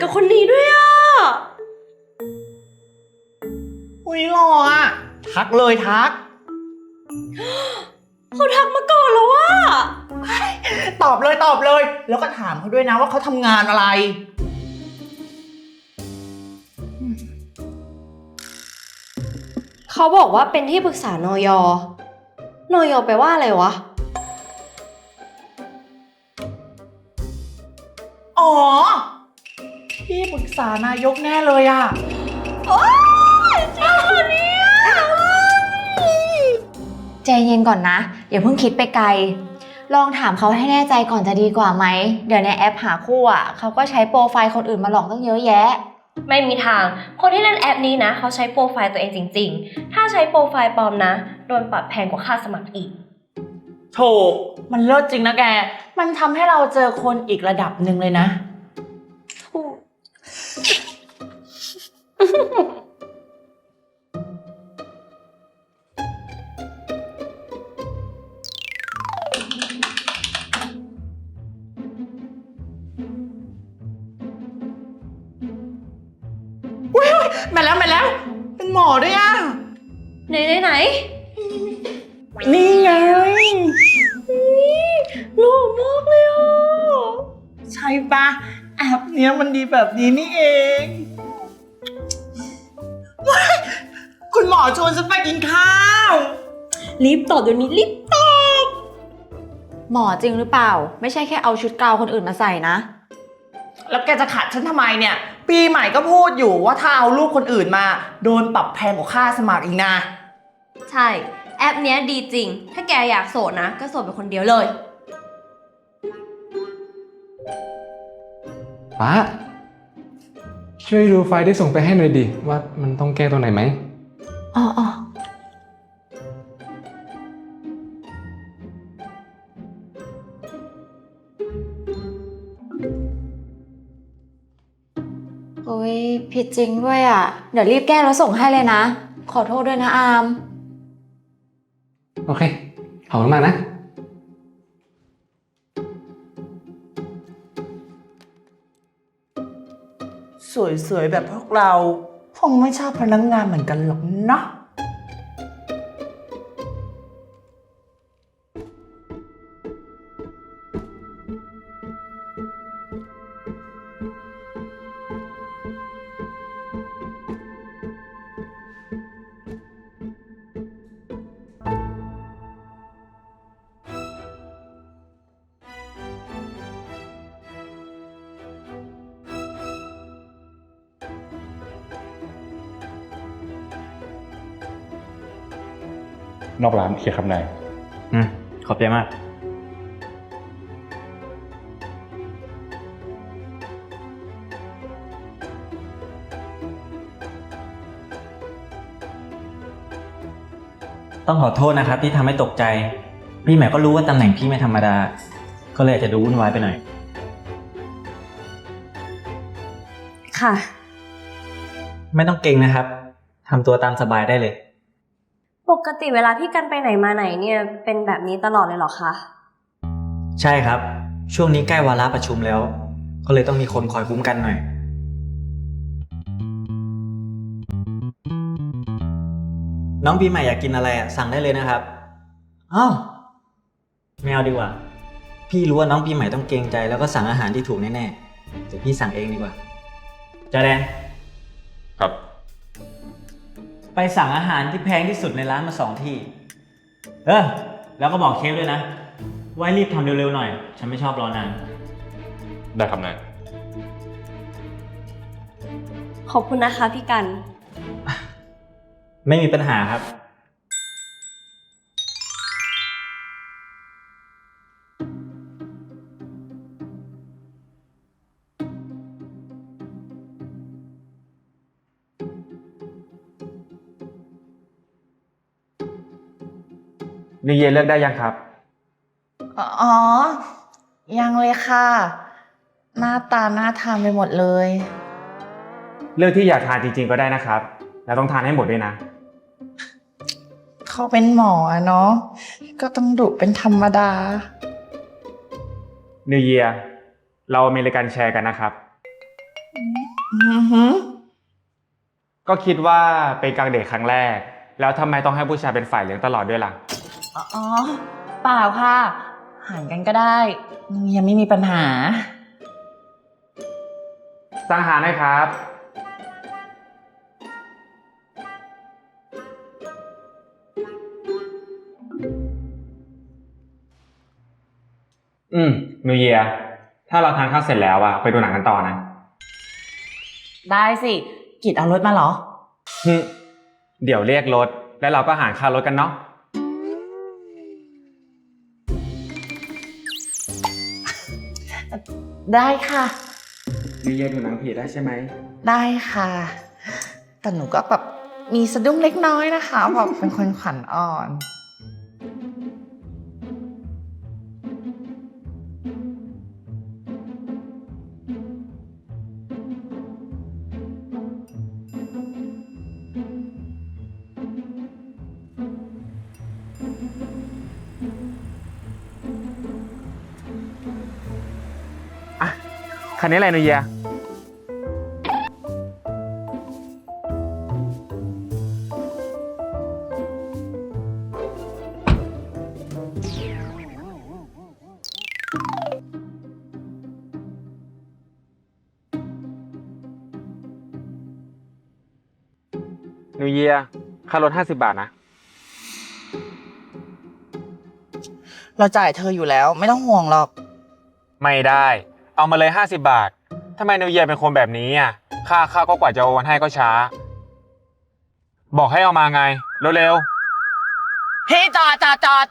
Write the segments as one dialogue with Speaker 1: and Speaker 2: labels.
Speaker 1: กับคนนี้ด้วยอ่ะ
Speaker 2: อุ้ยหล่ออะทักเลยทัก
Speaker 1: เขาทักมาก่อนแล้วว่า
Speaker 2: ตอบเลยแล้วก็ถามเขาด้วยนะว่าเขาทำงานอะไร
Speaker 1: เขาบอกว่าเป็นที่ปรึกษานย.นย.แปลว่าอะไรวะ
Speaker 2: อ๋อที่ปรึกษานายกแน่เลยอะ
Speaker 1: โอ๊ยจริงเหรอเนี่ย
Speaker 3: ใจเย็นก่อนนะอย่าเพิ่งคิดไปไกลลองถามเขาให้แน่ใจก่อนจะดีกว่าไหมเดี๋ยวในแอปหาคู่อ่ะเขาก็ใช้โปรไฟล์คนอื่นมาหลอกตั้งเยอะแยะ
Speaker 1: ไม่มีทางคนที่เล่นแอปนี้นะเขาใช้โปรไฟล์ตัวเองจริงๆถ้าใช้โปรไฟล์ปลอมนะโดนปรับแพงกว่าค่าสมัครอีก
Speaker 2: โถมันเลิศจริงนะแกมันทำให้เราเจอคนอีกระดับหนึ่งเลยนะมาแล้วเป็นหมอด้วยอ่ะ
Speaker 1: ไหน
Speaker 2: นี่ไง
Speaker 1: หล่อมากเลยอ่ะ
Speaker 2: ใช่ปะแอปเนี้ยมันดีแบบนี้นี่เองคุณหมอชวนฉันไปกินข้าว
Speaker 1: รีบตอบเดี๋ยวนี้รีบตอบ
Speaker 3: หมอจริงหรือเปล่าไม่ใช่แค่เอาชุดกาวคนอื่นมาใส่นะ
Speaker 2: แล้วแกจะขัดฉันทำไมเนี่ยปีใหม่ก็พูดอยู่ว่าถ้าเอาลูกคนอื่นมาโดนปรับแพงกว่าค่าสมัครอีกนะ
Speaker 1: ใช่แอปเนี้ยดีจริงถ้าแกอยากโสดนะก็โสดเป็นคนเดียวเลย
Speaker 4: ป้าช่วยดูไฟล์ที่ส่งไปให้หน่อยดิว่ามันต้องแก้ตัวไหนไหม
Speaker 3: อ๋อโอ้ยผิดจริงด้วยอ่ะเดี๋ยวรีบแก้แล้วส่งให้เลยนะขอโทษด้วยนะอาม
Speaker 4: โอเคขอบคุณมากนะ
Speaker 2: สวยๆแบบพวกเราคงไม่ชอบพนักงานเหมือนกันหรอกเนาะ
Speaker 5: นอกร้านเคลียร์ครับนาย
Speaker 6: ขอบใจมากต้องขอโทษนะครับที่ทำให้ตกใจพี่ใหม่ก็รู้ว่าตำแหน่งพี่ไม่ธรรมดาก็เลยอาจจะดูวุ่นวายไปหน่อย
Speaker 1: ค่ะ
Speaker 6: ไม่ต้องเก่งนะครับทำตัวตามสบายได้เลย
Speaker 1: ปกติเวลาพี่กันไปไหนมาไหนเนี่ยเป็นแบบนี้ตลอดเลยเหรอคะ
Speaker 6: ใช่ครับช่วงนี้ใกล้วาระประชุมแล้วก็เลยต้องมีคนคอยคุ้มกันหน่อยน้องปีใหม่อยากกินอะไรสั่งได้เลยนะครับอ้าวไม่เอาดีกว่าพี่รู้ว่าน้องปีใหม่ต้องเกรงใจแล้วก็สั่งอาหารที่ถูกแน่ๆเดี๋ยวพี่สั่งเองดีกว่าจาแดน
Speaker 5: ครับ
Speaker 6: ไปสั่งอาหารที่แพงที่สุดในร้านมา2 ที่แล้วก็บอกเชฟด้วยนะไว้รีบทำเร็วๆหน่อยฉันไม่ชอบรอนาน
Speaker 5: ได้ครับนาย
Speaker 1: ขอบคุณนะคะพี่กัน
Speaker 6: ไม่มีปัญหาครับ
Speaker 4: นิวเยียร์เลือกได้ยังครับ
Speaker 2: อ๋อยังเลยค่ะหน้าตาน่าทานไปหมดเลย
Speaker 4: เลือกที่อยากทานจริงๆก็ได้นะครับแล้วต้องทานให้หมดด้วยนะ
Speaker 2: เขาเป็นหมอเนาะก็ต้องดุเป็นธรรมดา
Speaker 4: นิวเยียร์เราอเมริกันแชร์กันนะครับ
Speaker 2: อือหือ
Speaker 7: ก็คิดว่าเป็นกลางเดทครั้งแรก แล้วทำไมต้องให้ผู้ชายเป็นฝ่ายเลี้ยงตลอดด้วยล่ะ
Speaker 2: อ๋อ เปล่าค่ะหารกันก็ได้ยังไม่มีปัญหา
Speaker 7: สั่งอาหารหนะครับ นิวเยียถ้าเราทานข้าวเสร็จแล้วอะไปดูหนังกันต่อนะ
Speaker 2: ได้สิ กิจเอารถมาเหรอ
Speaker 7: เดี๋ยวเรียกรถ แล้วเราก็หารค่ารถกันเนาะ
Speaker 2: ได้ค่ะ
Speaker 7: นิวเยียดูหนังผีได้ใช่ไหม
Speaker 2: ได้ค่ะ แต่หนูก็แบบมีสะดุ้งเล็กน้อยนะคะเพราะเป็นคนขวัญอ่อน
Speaker 7: คันนี้อะไรนิวเยียนิวเยียค่ารถ50 บาทนะ
Speaker 2: เราจ่ายเธออยู่แล้วไม่ต้องห่วงหรอก
Speaker 7: ไม่ได้ เอามาเลย50 บาท ทำไมนิวเยียเป็นคนแบบนี้อ่ะ ค่าข้าวก็กว่าจะโอนให้ก็ช้า บอกให้เอามาไง เร็ว
Speaker 2: พี่จอด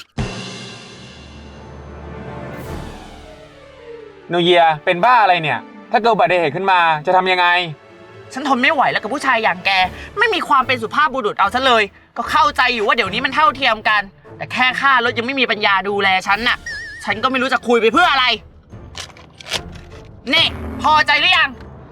Speaker 7: ๆนิวเยียเป็นบ้าอะไรเนี่ย ถ้าเกิดอุบัติเหตุขึ้นมาจะทำยังไง
Speaker 2: ฉันทนไม่ไหวแล้วกับผู้ชายอย่างแก ไม่มีความเป็นสุภาพบุรุษเอาซะเลย ก็เข้าใจอยู่ว่าเดี๋ยวนี้มันเท่าเทียมกัน แต่แค่ค่ารถยังไม่มีปัญญาดูแลฉันน่ะ ฉันก็ไม่รู้จะคุยไปเพื่ออะไร นี่ พอใจหรือยัง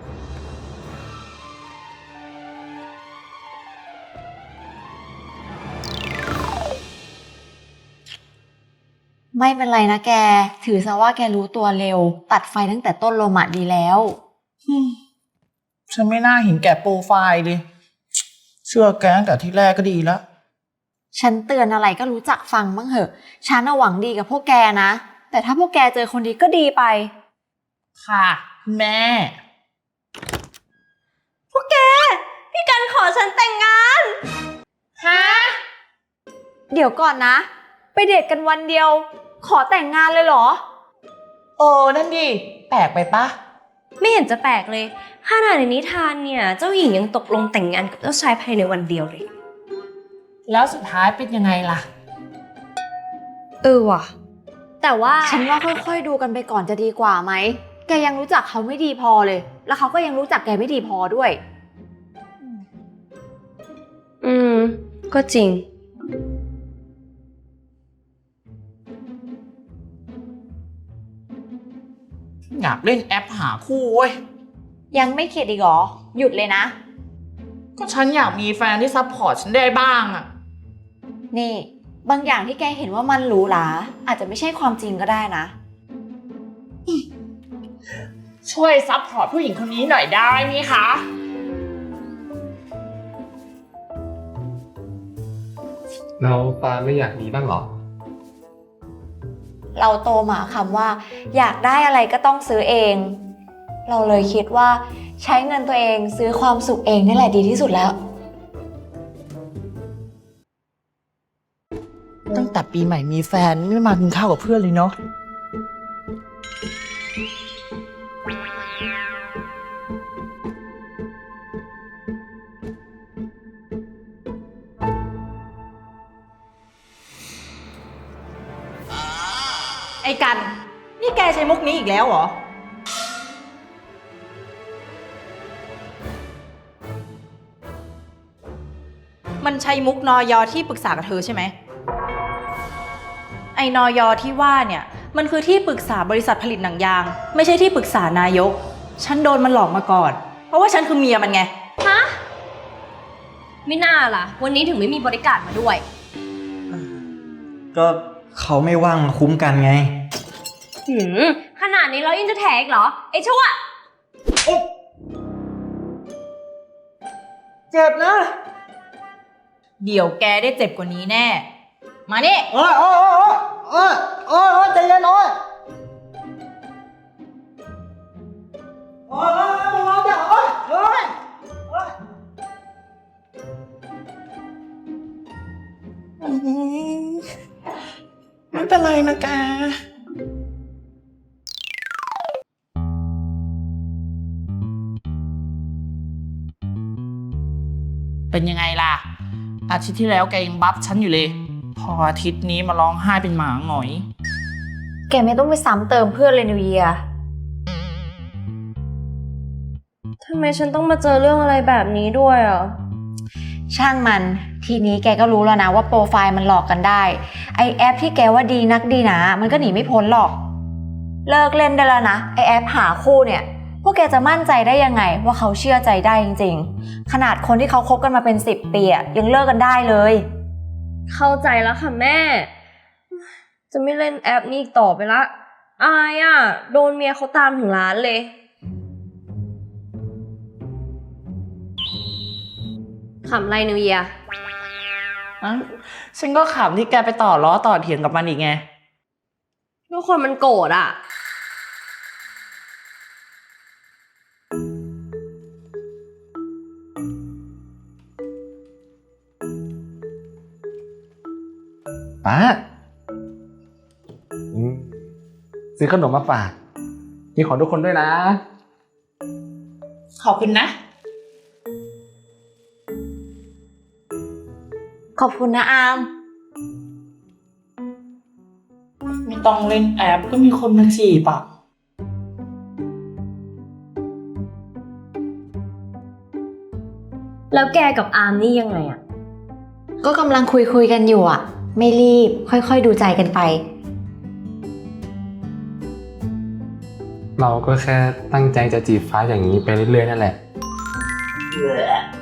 Speaker 3: ไม่เป็นไรนะแก ถือซะว่าแกรู้ตัวเร็ว ตัดไฟตั้งแต่ต้นลมอะดีแล้ว
Speaker 2: ฉันไม่น่าเห็นแก่โปรไฟล์เลยเชื่อแกตั้งแต่ที่แรกก็ดีแล้ว
Speaker 3: ฉันเตือนอะไรก็รู้จักฟังบ้างเหอะ ฉันน่ะหวังดีกับพวกแกนะ แต่ถ้าพวกแกเจอคนดีก็ดีไป
Speaker 2: ค่ะแม่
Speaker 1: พี่กันขอฉันแต่งงาน
Speaker 3: ฮะ เดี๋ยวก่อนนะ ไปเดทกันวันเดียว ขอแต่งงานเลยเหรอ
Speaker 2: นั่นดิ แปลกไปปะ
Speaker 1: ไม่เห็นจะแปลกเลยขนาดในนิทานเนี่ย เจ้าหญิงยังตกลงแต่งงานกับเจ้าชายภายในวันเดียวเลย
Speaker 2: แล้วสุดท้ายเป็นยังไงล่ะ
Speaker 1: ว่ะ แต่ว่า
Speaker 3: ฉันว่าค่อยๆดูกันไปก่อนจะดีกว่าไหม แกยังรู้จักเขาไม่ดีพอเลย แล้วเขาก็ยังรู้จักแกไม่ดีพอด้วย
Speaker 1: ก็จริง
Speaker 2: อยากเล่นแอปหาคู่เว้ย
Speaker 3: ยังไม่เข็ดอีกเหรอ หยุดเลยนะ
Speaker 2: ก็ฉันอยากมีแฟนที่ซัพพอร์ตฉันได้บ้างอะ
Speaker 3: นี่ บางอย่างที่แกเห็นว่ามันหรูหราอาจจะไม่ใช่ความจริงก็ได้นะ
Speaker 2: ช่วยซัพพอร์ตผู้หญิงคนนี้หน่อยได้ไหมคะ
Speaker 4: แล้วปาไม่อยากมีบ้างเหรอ
Speaker 3: เราโตมาคำว่า อยากได้อะไรก็ต้องซื้อเอง เราเลยคิดว่าใช้เงินตัวเองซื้อความสุขเองนี่แหละดีที่สุดแล้ว
Speaker 2: ตั้งแต่ปีใหม่มีแฟนไม่มากินข้าวกับเพื่อนเลยเนาะ
Speaker 8: ไอ้กัน นี่แกใช้มุกนี้อีกแล้วเหรอ มันใช้มุกนอยอที่ปรึกษากับเธอใช่ไหม ไอ้นอยอที่ว่าเนี่ย มันคือที่ปรึกษาบริษัทผลิตหนังยาง ไม่ใช่ที่ปรึกษานายก ฉันโดนมันหลอกมาก่อน เพราะว่าฉันคือเมียมันไง
Speaker 1: ฮะ ไม่น่าล่ะ วันนี้ถึงไม่มีบริการมาด้วย
Speaker 6: ก็เขาไม่ว่างมาคุ้มกันไง
Speaker 1: ขนาดนี้เรายังจะแถอีกเหรอ ไอ้ชั่ว
Speaker 6: เจ็บนะ
Speaker 8: เดี๋ยวแกได้เจ็บกว่านี้แน่ มานี่
Speaker 6: โอ้ยโอ้ยโอ้ยโอ้ยโอ้ยใจเย็นโอ้ยโอ้ยโอ้ยโอ้ยโอ้ยโอ้ยโอ้ย
Speaker 2: ไม่เป็นไรนะแก เป็นยังไงล่ะ อาทิตย์ที่แล้วแกยังบัฟฉันอยู่เลย พออาทิตย์นี้มาร้องไห้เป็นหมาหงอย
Speaker 3: แกไม่ต้องไปซ้ำเติมเพื่อนเลยนิวเยีย
Speaker 1: ทำไมฉันต้องมาเจอเรื่องอะไรแบบนี้ด้วยอ่ะ
Speaker 3: ช่างมัน ทีนี้แกก็รู้แล้วนะว่าโปรไฟล์มันหลอกกันได้ ไอแอปที่แกว่าดีนักดีหนามันก็หนีไม่พ้นหรอก เลิกเล่นได้แล้วนะ ไอแอปหาคู่เนี่ย พวกแกจะมั่นใจได้ยังไงว่าเขาเชื่อใจได้จริงๆ ขนาดคนที่เขาคบกันมาเป็น10 ปีอะยังเลิกกันได้เลย
Speaker 1: เข้าใจแล้วค่ะแม่ จะไม่เล่นแอปนี้อีกต่อไปละ อายอ่ะ โดนเมียเขาตามถึงร้านเลย ขำไรนิวเยีย
Speaker 2: อะฉันก็ขำที่แกไปต่อล้อต่อเถียงกับมันอีกไง
Speaker 1: ทุกคนมันโกรธอ่ะ
Speaker 4: ป้าซื้อขนมมาฝากมีของทุกคนด้วยนะ
Speaker 2: ขอบคุณนะ
Speaker 3: ขอบคุณนะอาม
Speaker 2: ไม่ต้องเล่นแอปก็มีคนมาจีบอ่ะ
Speaker 1: แล้วแกกับอาร์มนี่ยังไงอ่ะ
Speaker 3: ก็กำลังคุยกันอยู่อะไม่รีบค่อยๆดูใจกันไป
Speaker 4: เราก็แค่ตั้งใจจะจีบฟ้าอย่างนี้ไปเรื่อยๆนั่นแหละ
Speaker 2: เ